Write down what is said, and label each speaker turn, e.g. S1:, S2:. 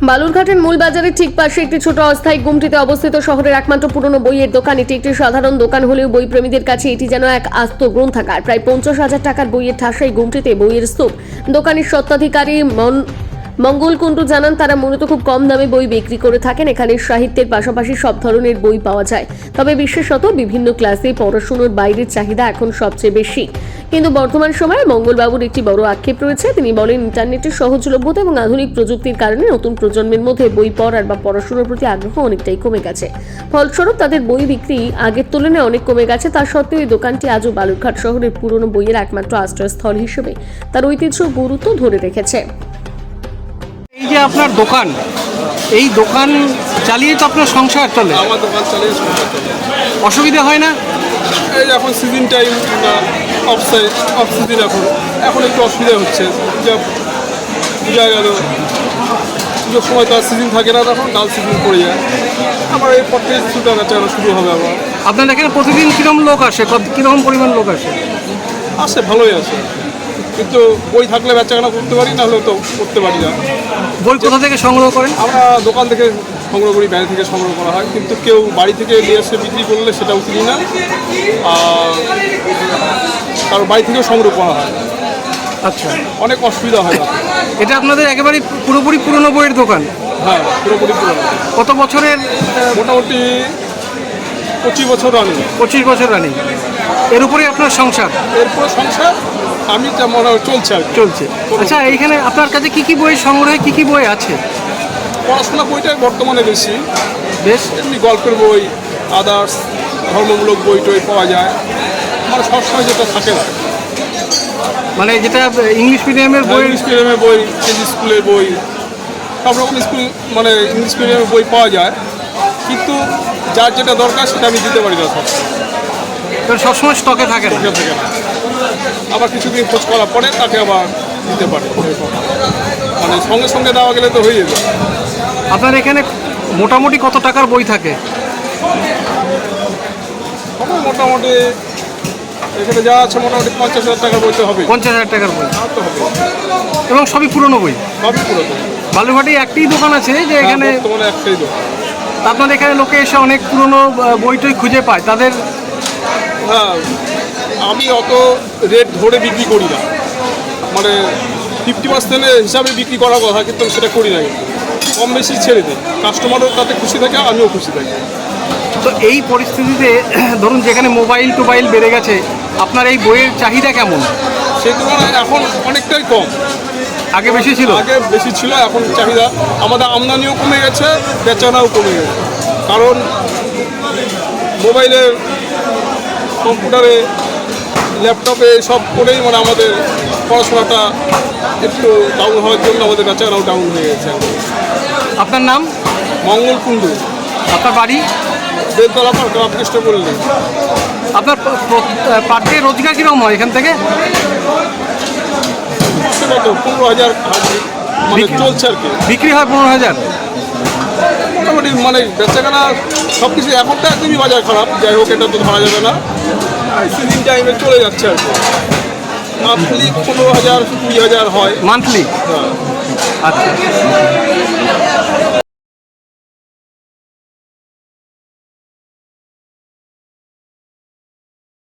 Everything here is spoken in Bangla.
S1: বালুরঘাটের মূল বাজারের ঠিক পাশে একটি ছোট অস্থায়ী গুমটিতে অবস্থিত শহরের একমাত্র পুরনো বইয়ের দোকান। এটি একটি সাধারণ দোকান হলেও বই প্রেমীদের কাছে এটি যেন এক আস্ত গ্রন্থাগার। প্রায় 50,000 টাকার বইয়ের ঠাসাই গুমটিতে বইয়ের স্তূপ। দোকানের স্বত্বাধিকারী মঙ্গল কুণ্ডু জানান, তারা মূলত খুব কম দামে বই বিক্রি করে থাকেন। এখানে সাহিত্যের পাশাপাশি সব ধরনের বই পাওয়া যায়, তবে বিশেষত বিভিন্ন ক্লাসে পড়াশোনার বাইরের চাহিদা এখন সবচেয়ে বেশি। কিন্তু বর্তমান সময়ে মঙ্গলবাবুর একটি বড় আক্ষেপ রয়েছে। তিনি বলেন, ইন্টারনেটের সহজলভ্যতা এবং আধুনিক প্রযুক্তির কারণে নতুন প্রজন্মের মধ্যে বই পড়ার বা পড়াশোনার প্রতি আগ্রহ অনেকটাই কমে গেছে। ফলস্বরূপ তাদের বই বিক্রি আগের তুলনায় অনেক কমে গেছে। তা সত্ত্বেও এই দোকানটি আজও বালুরঘাট শহরের পুরনো বইয়ের একমাত্র আশ্রয়স্থল হিসেবে তার ঐতিহ্য গুরুত্ব ধরে রেখেছে।
S2: এই যে আপনার দোকান, এই দোকান চালিয়ে তো আপনার সংসার চলে।
S3: আমার দোকান চালিয়ে সংসার চলে।
S2: অসুবিধা হয় না?
S3: এই এখন সিজন টাইম বা অফ সিজন, এখন একটু অসুবিধা হচ্ছে। যা বোঝা গেল পুজোর সময় তো আর সিজন থাকে না, তখন ডাল সিজন পড়ে যায়। আবার এই পর থেকে কিছুটা বেচানো শুরু হবে আবার।
S2: আপনার এখানে প্রতিদিন কীরকম লোক আসে, কীরকম পরিমাণ লোক আসে?
S3: আসে, ভালোই আসে, কিন্তু বই থাকলে বেচাকেনা করতে পারি, না হলেও তো করতে পারি না।
S2: বই কোথা থেকে সংগ্রহ করেন?
S3: আমরা দোকান থেকে সংগ্রহ করি, বাইরে থেকে সংগ্রহ করা হয়, কিন্তু কেউ বাড়ি থেকে নিয়ে এসে বিক্রি করলে সেটাও কিনি না, আর কারো বাড়ি থেকেও সংগ্রহ করা হয়।
S2: আচ্ছা,
S3: অনেক অসুবিধা হয় না।
S2: এটা আপনাদের একেবারে পুরোপুরি পুরনো বইয়ের দোকান?
S3: হ্যাঁ, পুরোপুরি পুরোনো।
S2: কত বছরের?
S3: মোটামুটি 25 বছর রানিং।
S2: 25 বছর রানিং। এর উপরেই আপনার সংসার?
S3: এরপর সংসার আমি যা মনে হয় চলছে আর কি।
S2: চলছে। আচ্ছা, এইখানে আপনার কাছে কি কি বই সংগ্রহে কি কি বই আছে?
S3: পড়াশোনা বইটাই বর্তমানে বেশি,
S2: বেশ।
S3: এমনি গল্পের বই, আদার্স ধর্মমূলক বই টই পাওয়া যায়, মানে সবসময় যেটা থাকে না।
S2: মানে যেটা ইংলিশ মিডিয়ামের বই?
S3: ইংলিশ মিডিয়ামের বই, কেজি স্কুলের বই, সব রকম স্কুল মানে ইংলিশ মিডিয়ামের বই পাওয়া যায়, কিন্তু যার যেটা দরকার সেটা আমি দিতে পারি না সব।
S2: সবসময় স্টকে থাকে না?
S3: থাকে না, আবার কিছুদিন খোঁজ করার পরে তাকে আবার দিতে পারে। মানে সঙ্গে সঙ্গে দেওয়া গেলে তো হয়ে যাবে।
S2: আপনার এখানে মোটামুটি কত টাকার বই থাকে?
S3: মোটামুটি এখানে যা আছে মোটামুটি 50,000 টাকার বইতে হবে।
S2: 50,000 টাকার বই?
S3: আর তো হবে।
S2: এবং সবই পুরনো বই?
S3: সবই পুরোনো।
S2: বালুরঘাটে একটি দোকান আছে যে এখানে?
S3: বর্তমানে একটাই দোকান।
S2: আপনাদের এখানে লোকে এসে অনেক পুরনো বই টই খুঁজে পায় তাদের?
S3: হ্যাঁ, আমি অত রেট ধরে বিক্রি করি না, মানে 50% হিসাবে বিক্রি করার কথা, কিন্তু সেটা করি না। কম বেশি ছেড়ে দিই, কাস্টমারও তাতে খুশি থাকে, আমিও খুশি থাকি।
S2: তো এই পরিস্থিতিতে ধরুন যেখানে মোবাইল টোবাইল বেড়ে গেছে, আপনার এই বইয়ের চাহিদা কেমন?
S3: সেই তুলনায় এখন অনেকটাই কম।
S2: আগে বেশি ছিল?
S3: আগে বেশি ছিল, এখন চাহিদা, আমাদের আমদানিও কমে গেছে, বেচানাও কমে গেছে। কারণ মোবাইলে, কম্পিউটারে, ল্যাপটপে সব করেই মানে আমাদের পড়াশোনাটা একটু ডাউন হওয়ার জন্য আমাদের বেচারাও ডাউন হয়ে গেছে।
S2: আপনার নাম?
S3: মঙ্গল কুণ্ডু।
S2: আপনার বাড়ি?
S3: বেলতলা পার্ক, রামকৃষ্ণ বললে।
S2: আপনার পার ডে রোজগার কীরকম হয় এখান থেকে?
S3: কত 15,000 মানে চলছে আর কি।
S2: বিক্রি হয় 15,000?
S3: মোটামুটি মানে বেচাকেনা সব কিছু, এখন তো একদমই বাজার খারাপ, যাই হোক এটা তো ধরা যাবে না, সিজন টাইমে চলে যাচ্ছে আর কি। মান্থলি 15,000 20,000 হয়
S2: মান্থলি?
S3: হ্যাঁ।
S2: আচ্ছা।